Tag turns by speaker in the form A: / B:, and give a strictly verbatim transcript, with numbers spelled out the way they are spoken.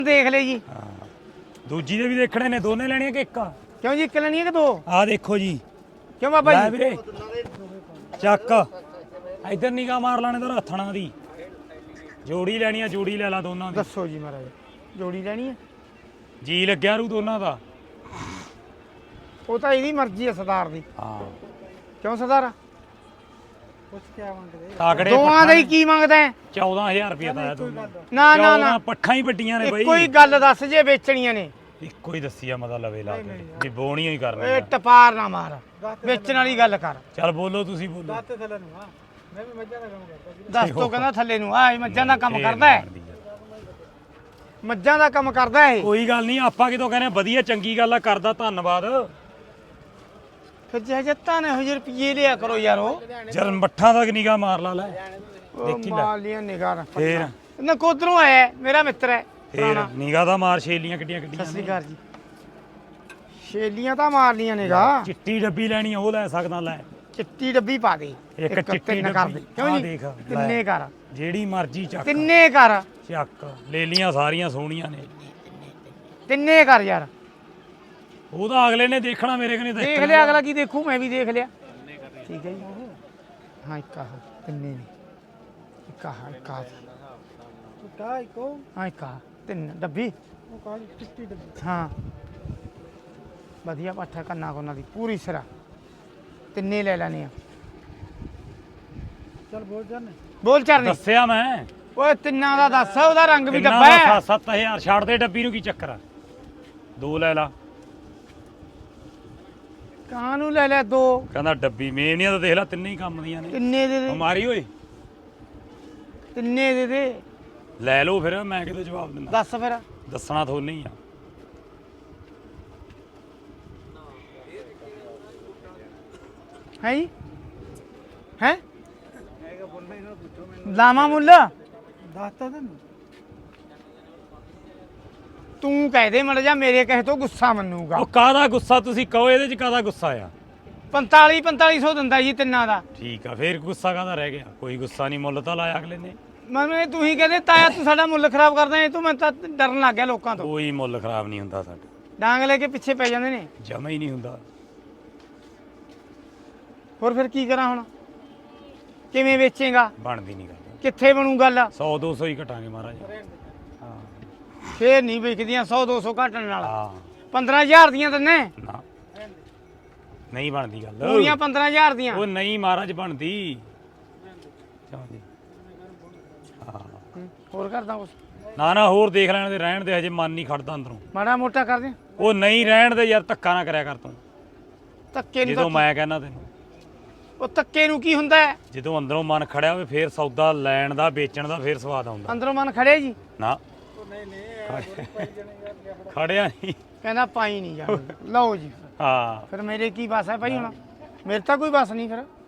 A: ਦੇਖ ਲੈ ਜੀ।
B: ਹਾਂ ਦੂਜੀ ਦੇ ਵੀ ਦੇਖਣੇ ਨੇ, ਦੋਨੇ ਲੈਣੀਆਂ ਕਿ ਇੱਕ?
A: ਕਿਉਂ ਜੀ, ਇੱਕ ਲੈਣੀ ਹੈ ਕਿ ਦੋ?
B: ਆਹ ਦੇਖੋ ਜੀ।
A: ਕਿਉਂ ਬਾਬਾ
B: ਲੈ
A: ਜੀ?
B: ਵੀਰੇ ਚੱਕ ਇੱਧਰ ਨਿਗਾਹ ਮਾਰ ਲੈਣੇ ਤਾਂ ਹੱਥਣਾ ਦੀ ਜੋੜੀ ਲੈਣੀ ਆ, ਜੋੜੀ ਲੈ ਲਾ ਦੋਨਾਂ ਦੀ।
A: ਦੱਸੋ ਜੀ ਮਹਾਰਾਜ, ਜੋੜੀ ਲੈਣੀ ਹੈ?
B: ਜੀ ਲੱਗਿਆ ਰੂ ਦੋਨਾਂ ਦਾ।
A: ਉਹ ਤਾਂ ਇਹਦੀ ਮਰਜ਼ੀ ਹੈ ਸਰਦਾਰ ਦੀ।
B: ਹਾਂ
A: ਕਿਉਂ ਸਰਦਾਰ?
C: ਕੁਛ ਕਿਆ ਮੰਗਦੇ?
B: ਤਾਕੜੇ
A: ਦੋਵਾਂ ਦਾ ਹੀ ਕੀ ਮੰਗਦਾ ਹੈ?
B: ਚੌਦਾਂ ਹਜ਼ਾਰ ਰੁਪਇਆ ਤਾਂ ਦੋਨਾਂ
A: ਨਾ ਨਾ ਨਾ,
B: ਪੱਠਾਂ ਹੀ ਵੱਡੀਆਂ ਨੇ ਬਈ।
A: ਇੱਕੋ ਹੀ ਗੱਲ ਦੱਸ ਜੇ ਵੇਚਣੀਆਂ ਨੇ।
B: ਇੱਕੋ ਹੀ ਦੱਸੀ ਆ ਮਤਾ ਲਵੇ ਲਾ ਕੇ ਵੀ ਬੋਣੀਆਂ ਹੀ ਕਰਨੀ
A: ਏ
B: ਆ।
A: ਟਪਾਰ ਨਾ ਮਾਰ, ਵੇਚਣ ਵਾਲੀ ਗੱਲ ਕਰ।
B: ਚੱਲ ਬੋਲੋ ਤੁਸੀਂ ਬੋਲੋ।
C: ਦਾਤੇ ਥੱਲੇ ਨੂੰ ਆ, ਮੈਂ ਵੀ ਮੱਝਾਂ ਦਾ ਕੰਮ ਕਰਦਾ ਜੀ।
A: ਦੱਸ ਤੋਂ ਕਹਿੰਦਾ ਥੱਲੇ ਨੂੰ ਆ, ਇਹ ਮੱਝਾਂ ਦਾ ਕੰਮ ਕਰਦਾ ਹੈ। ਮੱਝਾਂ ਦਾ ਕੰਮ ਕਰਦਾ ਹੈ।
B: ਕੋਈ ਗੱਲ ਨਹੀਂ, ਆਪਾਂ ਕਿਤੋਂ ਕਹਿੰਦੇ ਵਧੀਆ ਚੰਗੀ ਗੱਲ ਆ, ਕਰਦਾ ਧੰਨਵਾਦ।
A: ਫਿਰ ਜੇ ਜੱਤਾਂ ਨੇ ਹੋ ਜੇ ਰੁਪਏ ਲਿਆ ਕਰੋ ਯਾਰੋ।
B: ਜਲ ਮੱਠਾਂ ਦਾ ਨਿਗਾਹ ਮਾਰ ਲਾ ਲੈ।
A: ਦੇਖੀ ਮਾਲੀਆਂ ਨਿਗਾਹ
B: ਫੇਰ
A: ਨਾ ਕੋਧਰੋਂ ਆਇਆ ਹੈ, ਮੇਰਾ ਮਿੱਤਰ ਹੈ
B: ਫੇਰ ਨਿਗਾਹ ਦਾ ਮਾਰ, ਛੇਲੀਆਂ ਕਿੱਡੀਆਂ
A: ਸਤਿ
B: ਕਿੱਡੀਆਂ
A: ਸ੍ਰੀ ਅਕਾਲ ਜੀ। ਛੇਲੀਆਂ ਤਾਂ ਮਾਰ ਲੀਆਂ ਨਿਗਾਹ।
B: ਚਿੱਟੀ ਡੱਬੀ ਲੈਣੀ ਆ, ਉਹ ਲੈ ਸਕਦਾ ਲੈ।
A: ਚਿੱਟੀ ਡੱਬੀ ਪਾ ਦੇ,
B: ਇੱਕ ਚਿੱਟੀ
A: ਤਿੰਨ ਕਰ ਦੇ।
B: ਡੱਬੀ
A: ਕਿਉਂ
B: ਆਹ
A: ਜੀ?
B: ਦੇਖ
A: ਤਿੰਨੇ ਕਰ,
B: ਜਿਹੜੀ ਮਰਜ਼ੀ ਚੱਕ
A: ਤਿੰਨੇ ਕਰ,
B: ਚੱਕ ਲੈ ਲੀਆਂ, ਸਾਰੀਆਂ ਸੋਹਣੀਆਂ ਨੇ।
A: ਤਿੰਨੇ ਕਰ ਯਾਰ।
B: ਉਹਦਾ ਅਗਲੇ ਨੇ ਦੇਖਣਾ, ਮੇਰੇ ਕਨੇ
A: ਦੇਖ ਲਿਆ ਅਗਲਾ ਕੀ ਦੇਖੂ, ਮੈਂ ਵੀ ਦੇਖ ਲਿਆ। ਠੀਕ ਹੈ ਜੀ। ਹਾਂ ਇੱਕ ਆਹ ਤਿੰਨੇ ਨੇ, ਇੱਕ ਆਹ ਇੱਕ ਆਹ
C: ਕਾ ਇੱਕੋ
A: ਹਾਂ ਇੱਕ ਆਹ ਤਿੰਨ ਡੱਬੀ।
C: ਉਹ ਕਾ ਚਿੱਟੀ ਡੱਬੀ।
A: ਹਾਂ ਵਧੀਆ ਪੱਠਾ ਕੰਨਾ ਕੋਨਾ ਦੀ ਪੂਰੀ ਸਿਰਾ, ਤਿੰਨੇ ਲੈ ਲੈਣੇ ਆ।
C: ਚੱਲ ਬੋਲ ਜਾਨੇ।
A: ਬੋਲ ਚਰਨੀ।
B: ਦੱਸਿਆ ਮੈਂ
A: ਓਏ ਤਿੰਨਾਂ ਦਾ ਦੱਸ, ਉਹਦਾ ਰੰਗ ਵੀ
B: ਕਿੰਨਾ
A: ਡੱਬਾ
B: ਦਾ?
A: ਹੈ।
B: ਸੱਤ ਹਜ਼ਾਰ ਛੱਡ ਦੇ ਡੱਬੀ ਨੂੰ, ਕੀ ਚੱਕਰ ਆ? ਦੋ ਲੈ ਲਾ।
A: ਕਾਹਨੂੰ ਲੈ ਲੈ ਦੋ?
B: ਕਹਿੰਦਾ ਡੱਬੀ ਮੇਵਨੀਆਂ ਤਾਂ ਦੇਖ ਲੈ, ਤਿੰਨੇ ਹੀ ਕੰਮ ਦੀਆਂ ਨੇ।
A: ਤਿੰਨੇ ਦੇ ਦੇ,
B: ਮਾਰੀ ਓਏ
A: ਤਿੰਨੇ ਦੇ ਦੇ।
B: ਲੈ ਲਓ ਫਿਰ, ਮੈਂ ਕਿਤੇ ਜਵਾਬ ਦਿੰਦਾ।
A: ਦੱਸ ਫਿਰ।
B: ਦੱਸਣਾ ਤੁਹਾਨੂੰ ਹੀ ਆ।
A: ਹੈ ਜੀ ਹੈ
C: ਹੈਗਾ ਬੋਲਣਾ ਇਹਨਾਂ ਨੂੰ ਪੁੱਛੋ ਮੈਨੂੰ।
A: ਲਾਮਾ ਮੁੱਲ
C: ਦੱਸਤਾ ਤੈਨੂੰ।
A: ਤੂੰ ਕਹਿ ਦੇ ਮੜ ਜਾ, ਮੇਰੇ ਕਹੇ ਤੋਂ ਗੁੱਸਾ ਮੰਨੂਗਾ।
B: ਉਹ ਕਾਹਦਾ ਗੁੱਸਾ? ਤੁਸੀਂ ਕਹੋ ਇਹਦੇ ਚ ਕਾਹਦਾ ਗੁੱਸਾ ਆ?
A: ਪੰਤਾਲੀ ਪੰਤਾਲੀ ਸੌ ਦਿੰਦਾ ਜੀ ਤਿੰਨਾਂ ਦਾ।
B: ਠੀਕ ਆ, ਫੇਰ ਗੁੱਸਾ ਕਾਹਦਾ ਰਹਿ ਗਿਆ? ਕੋਈ ਗੁੱਸਾ ਨਹੀਂ, ਮੁੱਲ ਤਾਂ ਲਾਇਆ ਅਗਲੇ ਨੇ।
A: ਮੈਂ ਤੂੰ ਹੀ ਕਹਦੇ ਤਾਇਆ ਤੂੰ ਸਾਡਾ ਮੁੱਲ ਖਰਾਬ ਕਰਦਾ ਹੈ, ਤੂੰ ਮੈਂ ਤਾਂ ਡਰਨ ਲੱਗ ਗਿਆ ਲੋਕਾਂ ਤੋਂ।
B: ਕੋਈ ਮੁੱਲ ਖਰਾਬ ਨਹੀਂ ਹੁੰਦਾ ਸਾਡਾ,
A: ਡਾਂਗ ਲੈ ਕੇ ਪਿੱਛੇ ਪੈ ਜਾਂਦੇ ਨੇ।
B: ਜਮਾ ਹੀ ਨਹੀਂ ਹੁੰਦਾ।
A: ਹੋਰ ਫਿਰ ਕੀ ਕਰਾਂ ਹੁਣ? ਕਿਵੇਂ ਵੇਚੇਗਾ?
B: ਬਣਦੀ ਨਹੀਂ ਗੱਲ।
A: ਕਿੱਥੇ ਬਣੂ ਗੱਲ?
B: ਸੌ ਦੋ ਸੌ ਹੀ ਘਟਾਂਗੇ ਮਹਾਰਾਜ। ਹਾਂ
A: ਫੇਰ ਨਹੀਂ ਵਿਕਦੀਆਂ ਸੌ ਦੋ ਸੌ ਘਟਣ ਨਾਲ।
B: ਹਾਂ
A: ਪੰਦਰਾਂ ਹਜ਼ਾਰ ਦੀਆਂ ਦਿੰਨੇ
B: ਨਾ, ਨਹੀਂ ਬਣਦੀ ਗੱਲ।
A: ਪੂਰੀਆਂ ਪੰਦਰਾਂ ਹਜ਼ਾਰ ਦੀਆਂ।
B: ਉਹ ਨਹੀਂ ਮਹਾਰਾਜ ਬਣਦੀ। ਚਲੋ ਜੀ। ਹਾਂ
A: ਹੂੰ, ਹੋਰ ਕਰਦਾ ਕੁਛ?
B: ਨਾ ਨਾ ਹੋਰ ਦੇਖ ਲੈਣ ਦੇ, ਰਹਿਣ ਦੇ, ਹਜੇ ਮਨ ਨਹੀਂ ਖੜਦਾ ਅੰਦਰੋਂ।
A: ਮਾੜਾ ਮੋਟਾ ਕਰ ਦੇ।
B: ਉਹ ਨਹੀਂ ਰਹਿਣ ਦੇ ਯਾਰ, ਧੱਕਾ ਨਾ ਕਰਿਆ ਕਰ ਤੂੰ।
A: ਧੱਕੇ ਨੂੰ
B: ਜਦੋਂ
A: ਤਾਂ-
B: ਮੈਂ ਕਹਿੰਦਾ ਤੈਨੂੰ,
A: ਉਹ ਧੱਕੇ ਨੂੰ ਕੀ ਹੁੰਦਾ ਹੈ?
B: ਜਦੋਂ ਅੰਦਰੋਂ ਮਨ ਖੜਿਆ ਹੋਵੇ ਫੇਰ ਸੌਦਾ ਲੈਣ ਦਾ, ਵੇਚਣ ਦਾ ਫੇਰ ਸਵਾਦ ਆਉਂਦਾ।
A: ਅੰਦਰੋਂ ਮਨ ਖੜੇ ਜੀ?
B: ਨਾ
C: ਉਹ ਨਹੀਂ ਨਹੀਂ ਯਾਰ ਪਾਈ ਜਣੇ ਯਾਰ ਕਿਆ ਫੜਾ।
B: ਖੜਿਆ ਨਹੀਂ।
A: ਕਹਿੰਦਾ ਪਾਈ ਨਹੀਂ ਜਾਣਾ। ਲਓ ਜੀ,
B: ਹਾਂ
A: ਫਿਰ ਮੇਰੇ ਕੀ ਬਸ ਹੈ ਭਾਈ ਹੁਣ? ਮੇਰੇ ਤਾਂ ਕੋਈ ਬਸ ਨਹੀਂ ਫਿਰ।